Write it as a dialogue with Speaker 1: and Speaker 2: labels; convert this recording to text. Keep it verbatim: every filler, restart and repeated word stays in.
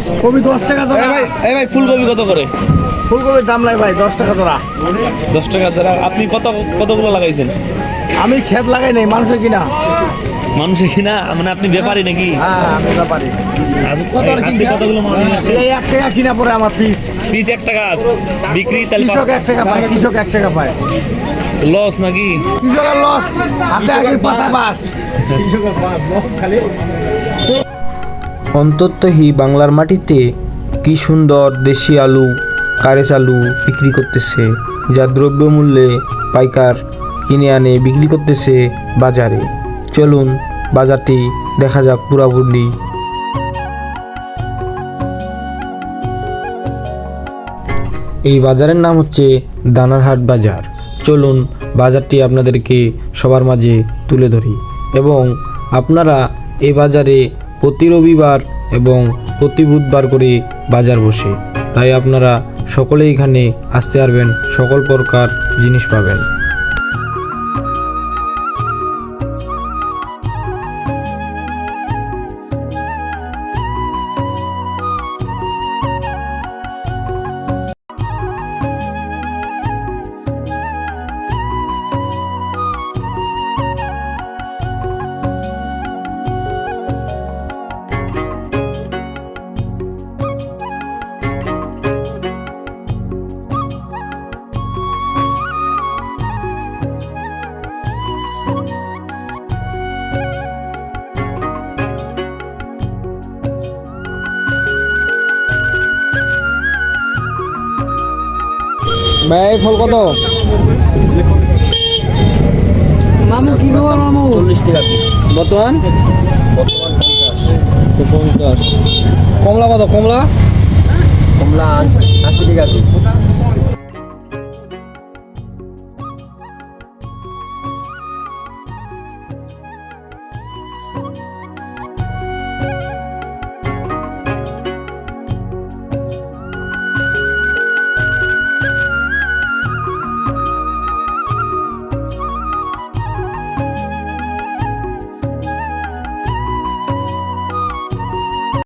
Speaker 1: কবি দশ টাকা জোড়া।
Speaker 2: এই ভাই এই ভাই ফুলকপি কত করে?
Speaker 1: ফুলকপির দাম নাই ভাই, দশ টাকা জোড়া।
Speaker 2: দশ টাকা জোড়া। আপনি কত কতগুলো লাগাইছেন?
Speaker 1: আমি ক্ষেত লাগাই নাই, মানুষের কিনা।
Speaker 2: মানুষে কিনা মানে আপনি ব্যাপারী নাকি?
Speaker 1: হ্যাঁ আমি ব্যাপারী।
Speaker 2: আজকে কতগুলো মাল নিয়ে আসছেন?
Speaker 1: এই এক টাকা কিনা পরে আমার পিস।
Speaker 2: পিস এক টাকা বিক্রি, তাহলে
Speaker 1: কৃষক এক টাকা পায়, কৃষক এক টাকা পায়।
Speaker 2: লস নাকি?
Speaker 1: কৃষকের লস, হাতে আগের পাতা বাস। কৃষকের বাস লস খালি।
Speaker 3: অন্ততই বাংলার মাটিতে কি সুন্দর দেশি আলু, কারেচ আলু বিক্রি করতেছে, যা দ্রব্যমূল্যে পাইকার কিনে আনে বিক্রি করতেছে বাজারে। চলুন বাজারটি দেখা যাক পুরাপুরি। এই বাজারের নাম হচ্ছে দানারহাট বাজার। চলুন বাজারটি আপনাদেরকে সবার মাঝে তুলে ধরি। এবং আপনারা এই বাজারে প্রতি রবিবার এবং প্রতি বুধবার করে বাজার বসে, তাই আপনারা সকলেই এখানে আসতে পারবেন, সকল প্রকার জিনিস পাবেন। ভাই ফল কত?
Speaker 1: মামু কি খবর মামু?
Speaker 3: চল্লিশ টাকা বর্তমান বর্তমান পঞ্চাশ পঞ্চাশ কমলা কত? কমলা কমলা আশি টাকা।